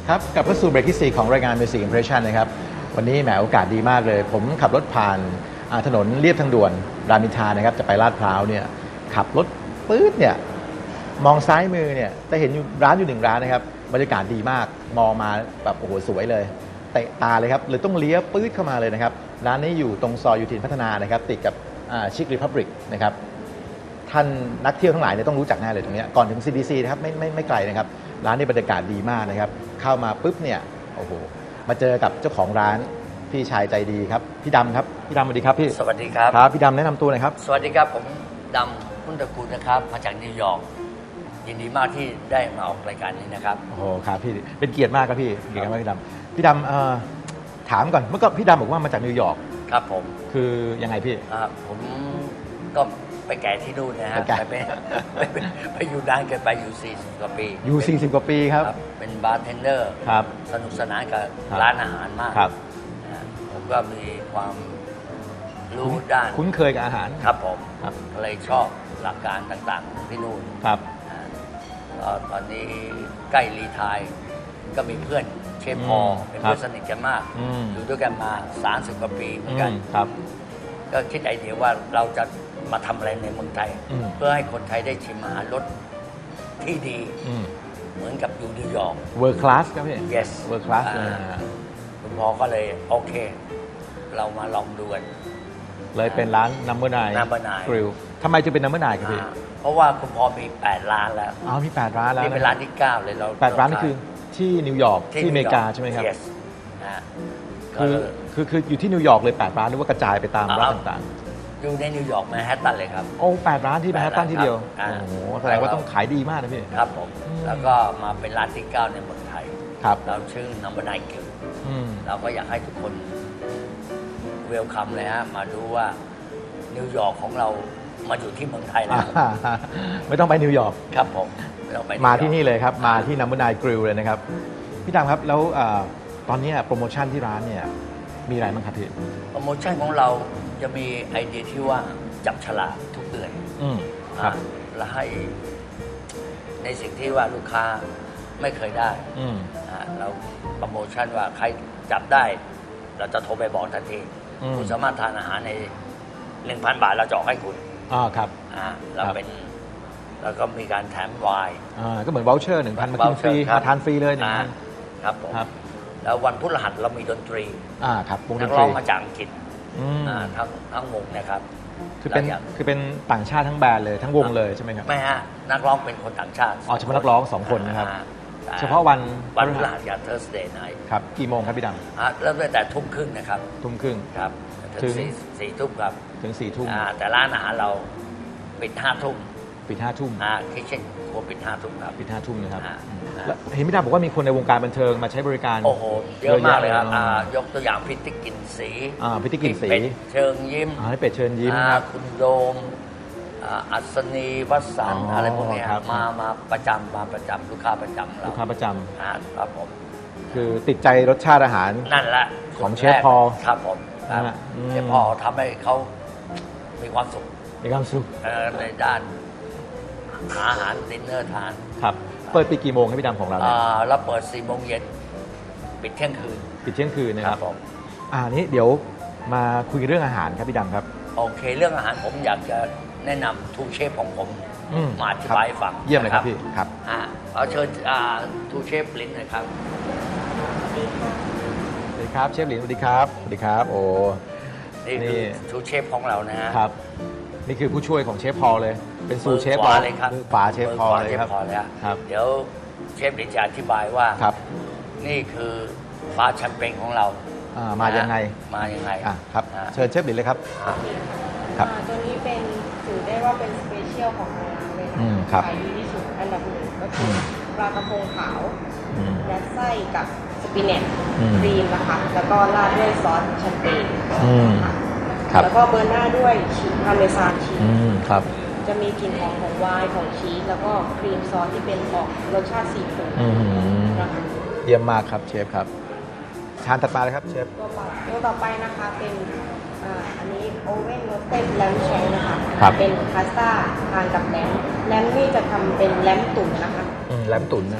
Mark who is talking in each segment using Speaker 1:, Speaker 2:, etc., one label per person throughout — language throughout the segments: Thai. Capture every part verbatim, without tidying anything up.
Speaker 1: ครับกลับเข้าสู่เบรกที่สี่ของรายการ Music Impression นะครับวันนี้แหมโอกาสดีมากเลยผมขับรถผ่านถนนเลียบทางด่วนรามอินทรานะครับจะไปลาดพร้าวเนี่ยขับรถปื๊ดเนี่ยมองซ้ายมือเนี่ยจะเห็นร้านอยู่หนึ่งร้านนะครับบรรยากาศดีมากมองมาแบบโอ้โหสวยเลยเตะตาเลยครับเลยต้องเลี้ยวปื๊ดเข้ามาเลยนะครับร้านนี้อยู่ตรงซอยยูทินพัฒนานะครับติดกับชิครีพับลิกนะครับท่านนักเที่ยวทั้งหลายเนี่ยต้องรู้จักแน่เลยตรงนี้ก่อนถึง ซี ดี ซี นะครับไม่ไม่ไม่ไกลนะครับร้านนี้บรรยากาศดีมากนะครับเข้ามาปุ๊บเนี่ยโอ้โหมาเจอกับเจ้าของร้านพี่ชายใจดีครับพี่ดำครับพี่ดำสวัสดีครับพี่
Speaker 2: สวัสดีครับ
Speaker 1: ครับพี่ดำแนะนำตัวหน่อยครับ
Speaker 2: สวัสดีครับผมดำพุทธกุลนะครับมาจากนิวยอร์กยินดีมากที่ได้มาออกรายการนี้นะครับ
Speaker 1: โอ้โหครับพี่เป็นเกียรติมากครับพี่เกียรติมากพี่ดำพี่ดำถามก่อนเมื่อก่อนพี่ดำบอกว่ามาจากนิวยอร์ก
Speaker 2: ครับผม
Speaker 1: คือยังไงพี่
Speaker 2: ผมก็ไปแก่ที่นู่นนะฮะไปไปไปอยู่นานเกินไปอยู่สี่สิบกว่าปี
Speaker 1: อยู่สี่สิบกว่าปีครับ
Speaker 2: เป็นบาร์เทนเดอร์
Speaker 1: ครับ
Speaker 2: สนุกสนานกับร้านอาหารมาก
Speaker 1: ครับ
Speaker 2: ผมก็มีความรู้ด้าน
Speaker 1: คุ้นเคยกับอาหาร
Speaker 2: ครับผมเลยชอบหลักการต่างๆของที่นู่น
Speaker 1: ครับ
Speaker 2: ตอนนี้ใกล้รีไทร์ก็มีเพื่อนเชฟพอเป็นเพื่อนสนิทกันมากอยู่ด้วยกันมาสามสิบกว่าปีเหมือนกัน
Speaker 1: ครับ
Speaker 2: ก็คิดไอเดียว่าเราจะมาทำอะไรในเมืองไทยเพื่อให้คนไทยได้ชิมอาหารรสที่ดีเหมือนกับอยู่นิวยอร์ก
Speaker 1: World Class ครับพี่
Speaker 2: yes
Speaker 1: World Class เลย
Speaker 2: คุณพ่อก็เลยโอเคเรามาลองดูกัน
Speaker 1: เลยเป็นร้าน Number ไนน์
Speaker 2: Number ไนน์
Speaker 1: Grill ทำไมจึงเป็น Number ไนน์ครับพี่
Speaker 2: เพราะว่าคุณพ่อมีแปดร้านแล้ว
Speaker 1: อ๋อมีแปดร้านแล้ว
Speaker 2: นี่เป็นร้านที่เก้าเลยเรา
Speaker 1: แปดร้านนี่คือที่นิวยอร์กที่อเมริกาใช่ไหมครับ
Speaker 2: yes
Speaker 1: คือคือคืออยู่ที่นิวยอร์กเลยแปดร้านหรือว่ากระจายไปตามร้านต่าง
Speaker 2: ๆอยู่ในนิวยอร์กแมนฮัตตันเลยครับ
Speaker 1: โอ้แปดร้านที่แมนฮัตตันที่เดียวโอ้โหแสดงว่าต้องขายดีมากนะพี่
Speaker 2: ครับผมแล้วก็มาเป็นร้านที่เก้าในเมืองไทย
Speaker 1: ครับ
Speaker 2: เราชื่อ Number ไนน์ Grill เราก็อยากให้ทุกคนเวลคัมเลยฮะมาดูว่านิวยอร์กของเรามาอยู่ที่เมืองไทยแล้ว
Speaker 1: ไม่ต้องไปนิวยอร์ก
Speaker 2: ครับผมไม่ต้องไป
Speaker 1: มาที่นี่เลยครับมาที่ Number ไนน์ Grill เลยนะครับพี่ดำครับแล้วตอนนี้โปรโมชั่นที่ร้านเนี่ยมีอะไรบ้างครับพี่
Speaker 2: โปรโมชั่นของเราจะมีไอเดียที่ว่าจับฉลากทุกเดือน
Speaker 1: ครับ
Speaker 2: และให้ในสิ่งที่ว่าลูกค้าไม่เคยได้เราโปรโมชั่นว่าใครจับได้เราจะโทรไปบอกทันทีคุณสามารถทานอาหารใน หนึ่งพัน บาทเราจะออกให้คุณ
Speaker 1: อ๋อครับ
Speaker 2: เราเป็นแล้วก็มีการแถมไวน์
Speaker 1: ก็เหมือนวอลเชอร์หนึ่งพันมากินฟรีมาทานฟรีเลย
Speaker 2: นะครับผมแล้ววันพฤหัสเรามีดนตรี
Speaker 1: อ่าครับวงด
Speaker 2: นตรีนักร้องมาจากอังกฤษทั้งทั้งวงนะครับ
Speaker 1: คือเป็นคือเป็นต่างชาติทั้งแบรนด์เลยทั้งวงเลยใช่ไหมครับ
Speaker 2: ไม่ฮะนักร้องเป็นคนต่างชาติ
Speaker 1: อ๋อเฉพาะนักร้องสองคนนะครับเฉพาะวัน
Speaker 2: วันพฤหัสกับ Thursday night
Speaker 1: ครับกี่โมงครับพี่ดำ
Speaker 2: เริ่มตั้งแต่ทุ่มครึ่งนะครับ
Speaker 1: ทุ่มครึ่ง
Speaker 2: ครับถึงสี่ทุ่มครับ
Speaker 1: ถึงสี่ทุ่ม
Speaker 2: แต่ร้านอาหารเราปิดห้าทุ่ม
Speaker 1: ปิดห้าทุ่ม
Speaker 2: อ่าคิเช่นครัวปิดห้าทุ่มครับ
Speaker 1: ปิดห้าทุ่มนะครับเห็นพี่ดำบอกว่ามีคนในวงการบันเทิงมาใช้บริการ
Speaker 2: โอ้โหเยอะมากเลยครับยกตัวอย่างพิติกินสี
Speaker 1: อ่าพิติกินสี
Speaker 2: เชิงยิ้ม
Speaker 1: อ่าเป็ดเชิญยิ้มครับ
Speaker 2: คุณโดมอัศนีวัสันอะไรพวกนี้มามาประจำมาประจำลูกค้าประจำ
Speaker 1: ลูกค้าประจำ
Speaker 2: ครับผม
Speaker 1: คือติดใจรสชาติอาหาร
Speaker 2: นั่นแหละ
Speaker 1: ของเชฟพอ
Speaker 2: ครับผมเชฟพอทำให้เขามีความสุข
Speaker 1: มีความสุข
Speaker 2: ในด้านอาหารดินเนอร์ทาน
Speaker 1: ครับเปิดปีกี่โมงครับพี่ดำของเราเนี่ย
Speaker 2: เราเปิดสี่โมงเย็นปิดเที่ยงคืน
Speaker 1: ปิดเที่ยงคืนนะครับผมอ่านี้เดี๋ยวมาคุยเรื่องอาหารครับพี่ดำครับ
Speaker 2: โอเคเรื่องอาหารผมอยากจะแนะนำทูเชฟของผมมาอธิบายฟัง
Speaker 1: เยี่ยมเลยครับพี่ครับ
Speaker 2: อ่าเอาเชิญทูเชฟลิ้นหน่อยครับ
Speaker 1: สวัสดีครับเชฟลิ้นสวัสดีครับสวัสดีครับโอ้
Speaker 2: นี่ทูเชฟของเรานะฮะ
Speaker 1: ครับนี่คือผู้ช่วยของเชฟพอเลยเป็นซูเชฟ
Speaker 2: พอเลยครับ
Speaker 1: ฝาเชฟพอเลยครับ
Speaker 2: ครับเดี๋ยวเชฟลิ้นจะอธิบายว่า
Speaker 1: ครับ
Speaker 2: นี่คือฟ้าแชมเปญของเรา
Speaker 1: มายังไง
Speaker 2: มายังไง
Speaker 1: อ่ะครับเชิญเชฟลิ้นเลยครับ
Speaker 3: ครับตัวนี้เป็นถือได้ว่าเป็นสเปเชียลของทางร้านเลยนะขายดีที่สุดอันดับหนึ่งก็คือปลากระพงขาวยัดไส้กับสปิเนตครีมนะคะแล้วก็ราดด้วยซอสแชมเปญค่ะแล้วก็เบอร์หน้าด้วยชีสพาเมซานชีส
Speaker 1: ครับ
Speaker 3: จะมีกลิ่นหอมของไวน์ของชีสแล้วก็ครีมซอสที่เป็นออกรสชาติซีฟู้ดนะคะ
Speaker 1: เยี่ยมมากครับเชฟครับชานถัดมาเลยครับเชฟ
Speaker 3: ตัวต่อไปนะคะเป็นอันนี้โอเว่นโรสเต็ดแลมแชงนะคะเป็นพาสต้าทานกับแลมแลมนี่จะทำเป็นแลมตุ๋นนะคะ
Speaker 1: แลมตุ๋นนะครับ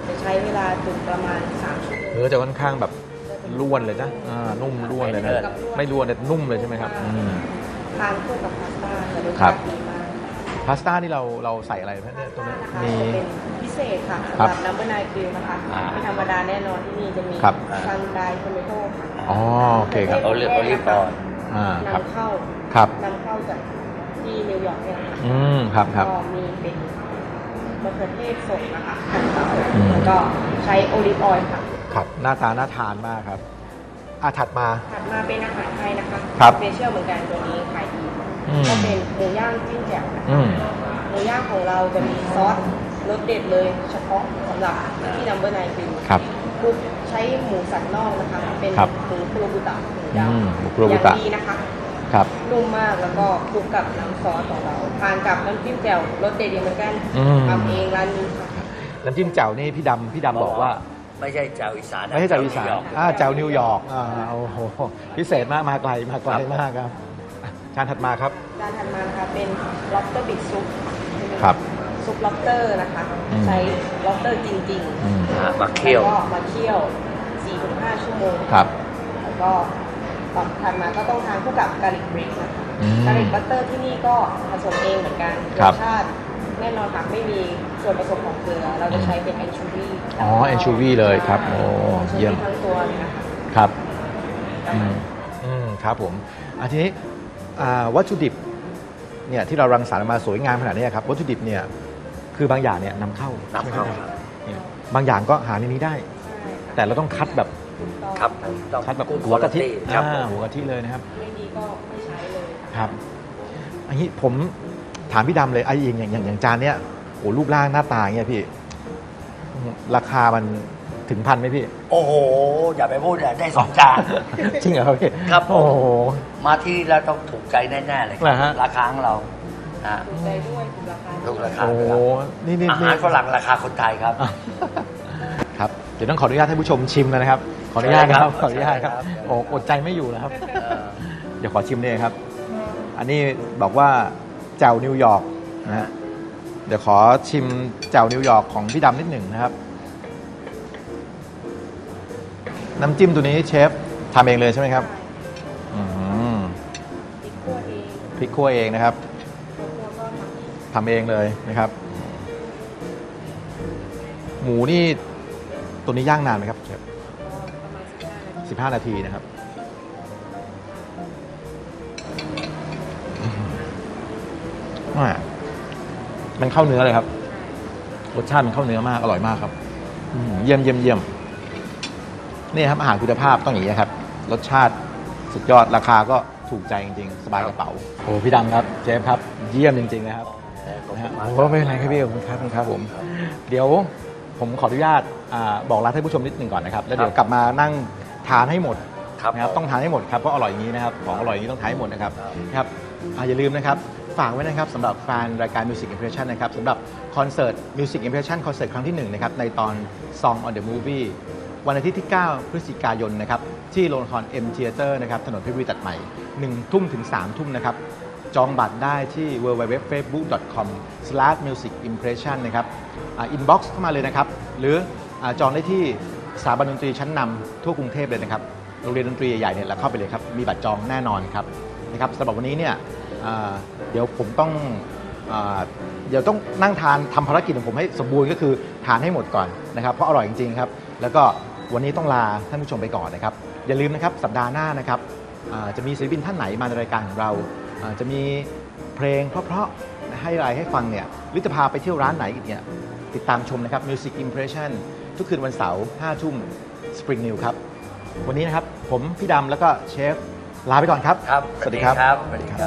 Speaker 3: จะใช้เวลาตุ๋นประมาณสามชั่วโมง
Speaker 1: เนื้อจะค่อนข้างแบบร่วนเลยนะอ่านุ่มร่วนเลยนะไม่ร่วนแต่นุ่มเลยใช่ไหมครับอืม
Speaker 3: ทานคู่กับพาสต้าจะรส
Speaker 1: ครั
Speaker 3: ชา
Speaker 1: บ
Speaker 3: ติดีมาก
Speaker 1: พาสต้านี่เราเราใส่อะไรไหมเนี่ยตรงนี้
Speaker 3: นะคะ
Speaker 1: มี
Speaker 3: จะเป็นพิเศษค่ะ
Speaker 1: ครั
Speaker 3: สำ
Speaker 1: บ
Speaker 3: หรับน้ำเบอร์นายกริลนะคะ
Speaker 2: อ่า
Speaker 3: ไม่ธรรมดาแน่นอนที่นี่จะมี
Speaker 1: ครับ
Speaker 3: ซันไดโทเมโต้ค่ะ
Speaker 1: อ๋อโอเคครับ
Speaker 2: โอลิฟโอลิฟออยล์
Speaker 1: อ่าครับ
Speaker 3: นำเข้า
Speaker 1: ครับ
Speaker 3: นำเข้าจากที่นิวยอร์กเนี่ยนะคะ
Speaker 1: อืมครับครับ
Speaker 3: ก็มีเป็นมะเขือเทศสดนะคะหั่นเตา
Speaker 1: อืม
Speaker 3: แล้วก็ใช้โอลิฟออยล์ค่ะ
Speaker 1: ครับหน้าตาน่าทานมากครับอ่ะถัดมา
Speaker 3: ถัดมาเป็นอาหารไทยนะคะ
Speaker 1: ครับ
Speaker 3: สเปเชียลเหมือนกันตัวนี้ขายดี
Speaker 1: อืม
Speaker 3: ก็เป็นหมูย่างจิ้มแจ่วนะคะ
Speaker 1: อืม
Speaker 3: หมูย่างของเราจะมีซอสรสเด็ดเลย เฉพาะสำหรับที่นัมเบอร์ไนน์คือ
Speaker 1: ครับ
Speaker 3: คลุกใช้หมูสันนอกนะคะ เป็น
Speaker 1: ครับ
Speaker 3: หมูคุโรบุตะหมูด
Speaker 1: อืม
Speaker 3: ำ
Speaker 1: หมูคุโรบุตะ
Speaker 3: อย่างดีนะคะ
Speaker 1: ครับ
Speaker 3: นุ่มมากแล้วก็คลุกกับน้ำซอสของเราทานกับน้ำจิ้มแจ่วรสเด็ดเหมือนกัน
Speaker 1: อืม
Speaker 3: ทำเองร้านนี้ค่ะ
Speaker 1: น้ำจิ้มแจ่วนี่พี่ดำพี่ดำบอกว่า
Speaker 2: ไม่ใช่เจ้าอีสานนะ
Speaker 1: ไม่ใช่แจ่วอีสาน
Speaker 2: นิวยร์ก
Speaker 1: อ่าแจ่วนิวยอร์กอ่าโอ้โหพิเศษมากมาไกลมาไกลมากครับอ่ะจานถัดมาครับ
Speaker 3: จานถัดมานะคะเป็น lobster bit soup
Speaker 1: ครับ
Speaker 3: ซุป lobster นะคะ
Speaker 1: อืม
Speaker 3: ใช้ lobster จริงๆ
Speaker 1: อืม
Speaker 2: อ่ามาเคี่ยว
Speaker 3: แล้วก็มาเคี่ยว สี่ถึงห้า ชั่วโมง
Speaker 1: ครับ
Speaker 3: แล้วก็ตอนถัดมาก็ต้องทานคู่กับกาลิกบริกนะคะ
Speaker 1: อืม
Speaker 3: กาลิกบัตเตอร์ที่นี่ก็ผสมเองเหมือนกัน
Speaker 1: ค
Speaker 3: ร
Speaker 1: รับ
Speaker 3: สชาติแน่นอนค่ะไม่มีส่วนผสมของเกลือ เราจะใช้เป็นแอนชูวี
Speaker 1: อ๋อ anchovy เลยครับโอ้เยี่ยม
Speaker 3: ทั้งตัวเลยนะคะ
Speaker 1: ครับอืมอืมครับผมอันทีนี้อ่าวัตถุดิบเนี่ยที่เรารังสรรค์ออกมาสวยงามขนาดนี้ครับวัตถุดิบเนี่ยคือบางอย่างเนี่ยนำเข้าน
Speaker 2: ำเข้า
Speaker 1: ใช่ไหมครับเนี่ยบางอย่างก็หาในนี้ได้
Speaker 3: ใช่ค่ะ
Speaker 1: แต่เราต้องคัดแบบ
Speaker 3: ถูกต้อง
Speaker 2: ครับต้อง
Speaker 1: คัดแบบ
Speaker 2: good
Speaker 1: หัวกะทิ
Speaker 2: quality ครับ
Speaker 1: อ่าหัวกะทิเลยนะครับ
Speaker 3: ไม่ดีก็ไม่ใช้เลยค่ะ
Speaker 1: ครับอันนี้ผมถามพี่ดำเลยไอ้เองอย่างอย่างอย่างจานเนี้ยโอ้รูปร่างหน้าตาเงี้ยพี่ราคามันถึงพันไหมพี่
Speaker 2: โอ้โห อย่าไปพูดเลยได้สองจาน
Speaker 1: จริงเหรอครับพี่
Speaker 2: ครับผม
Speaker 1: โอ้โห
Speaker 2: มาที่เราต้องถูกใจแน่ๆเลยค
Speaker 1: เหร
Speaker 2: รั
Speaker 1: อฮะ
Speaker 2: ราคาของเราอ่า
Speaker 3: ถูกใจด้วยถูกราคา
Speaker 2: ถูกราคา
Speaker 1: โอ้โหนี่นี่
Speaker 2: อา
Speaker 1: นี่
Speaker 2: หารฝรั่งราคาคนไทยครับ
Speaker 1: อ่ะครับเดี๋ยวต้องขออนุญาตให้ผู้ชมชิมแล้วนะครับ ขออนุญาตนะครับ
Speaker 2: ใช่
Speaker 1: ข
Speaker 2: ครับ
Speaker 1: ออนุญาตครับ
Speaker 2: ใช่ครับ
Speaker 1: โอ้อดใจไม่อยู่แล้วครับ
Speaker 2: เออ
Speaker 1: เดี๋ยวขอชิมเลยครับ อันนี้บอกว่าแจ่วนิวยอร์กนะฮะเดี๋ยวขอชิมแจ่วนิวยอร์กของพี่ดำนิดหนึ่งนะครับ น้ำจิ้มตัวนี้เชฟทำเองเลยใช่ไหมครับอืม
Speaker 3: พริกขั่วเอง
Speaker 1: พริกคั่วเองนะครับ
Speaker 3: ตัวคั่วก็ทำเอง
Speaker 1: ทำเองเลยนะครับ หมูนี่ตัวนี้ย่างนานไหมครับเชฟ
Speaker 3: ก็ประมาณสิบห้านาที
Speaker 1: สิบห้านาทีนะครับอ่ามันเข้าเนื้อเลยครับ รสชาติมันเข้าเนื้อมาก อร่อยมากครับอืมเยี่ยมเยี่ยมเยี่ยมนี่ครับอาหารคุณภาพต้องอย่างนี้ครับ รสชาติสุดยอดราคาก็ถูกใจจริงๆ สบายกระเป๋าโอ้พี่ดำครับเชฟครับ เยี่ยมจริงๆนะครับ
Speaker 2: ขอบ
Speaker 1: นะ
Speaker 2: คุ
Speaker 1: ฮะ
Speaker 2: ณมาก
Speaker 1: โอ้ไม่เป็นไรครับพี่ขอบคุณครับขอบคุณครับผม เดี๋ยวผมขออนุญาตอ่าบอกลาท่านผู้ชมนิดหนึ่งก่อนนะครับ แล้วเดี๋ยวกลับมานั่งทานให้หมด
Speaker 2: ครับ
Speaker 1: นะครับต้องทานให้หมดครับเพราะอร่อยอย่างนี้นะครับของอร่อยอย่างนี้ต้องทานให้หมดนะครับ
Speaker 2: ครับ
Speaker 1: นะครับอ่าอย่าลืมนะครับฝากไว้นะครับสำหรับแฟนรายการ Music Impression นะครับสำหรับคอนเสิร์ต Music Impression คอนเสิร์ตครั้งที่หนึ่งนะครับในตอน Song on the Movie วันอาทิตย์ที่ เก้า พฤศจิกายนนะครับที่โรงละคร M Theater นะครับถนนเพชรบุรีตัดใหม่หนึ่งทุ่มถึงสามทุ่มนะครับจองบัตรได้ที่ ดับเบิลยู ดับเบิลยู ดับเบิลยู ดอท เฟซบุ๊ก ดอท คอม สแลช มิวสิก อิมเพรสชัน นะครับอินบ็อกซ์เข้ามาเลยนะครับหรืออ่าจองได้ที่สถาบันดนตรีชั้นนำทั่วกรุงเทพเลยนะครับโรงเรียนดนตรีใหญ่ๆเนี่ยเราเข้าไปเลยครับมีบัตรจองแน่นอนครับนะครับสำหรับวันนี้เนี่ยอ่าเดี๋ยวผมต้องอ่าเดี๋ยวต้องนั่งทานทำภารกิจของผมให้สมบูรณ์ก็คือทานให้หมดก่อนนะครับเพราะอร่อยจริงๆครับแล้วก็วันนี้ต้องลาท่านผู้ชมไปก่อนนะครับอย่าลืมนะครับสัปดาห์หน้านะครับอ่าจะมีศิลปินท่านไหนมาในรายการของเราอ่าจะมีเพลงเพราะๆให้รายให้ฟังเนี่ยหรือจะพาไปเที่ยวร้านไหนอีกเนี่ยติดตามชมนะครับ Music Impression ทุกคืนวันเสาร์ห้าทุ่ม Spring New ครับวันนี้นะครับผมพี่ดำแล้วก็เชฟลาไปก่อนครับ
Speaker 2: ครับ
Speaker 1: สวัสดีครับ
Speaker 2: สวัสดีครับ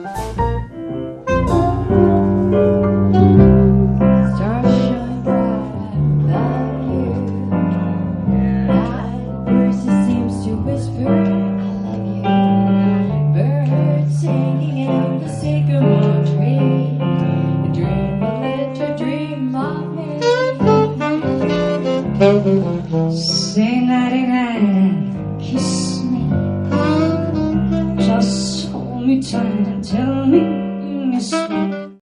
Speaker 4: Stars shine bright above you. Night breezes seems to whisper, "I love you." Birds singing in the sycamore tree. A dream will let you dream of me. Say nighty night and kiss me. Just hold me tight and tell me you miss me.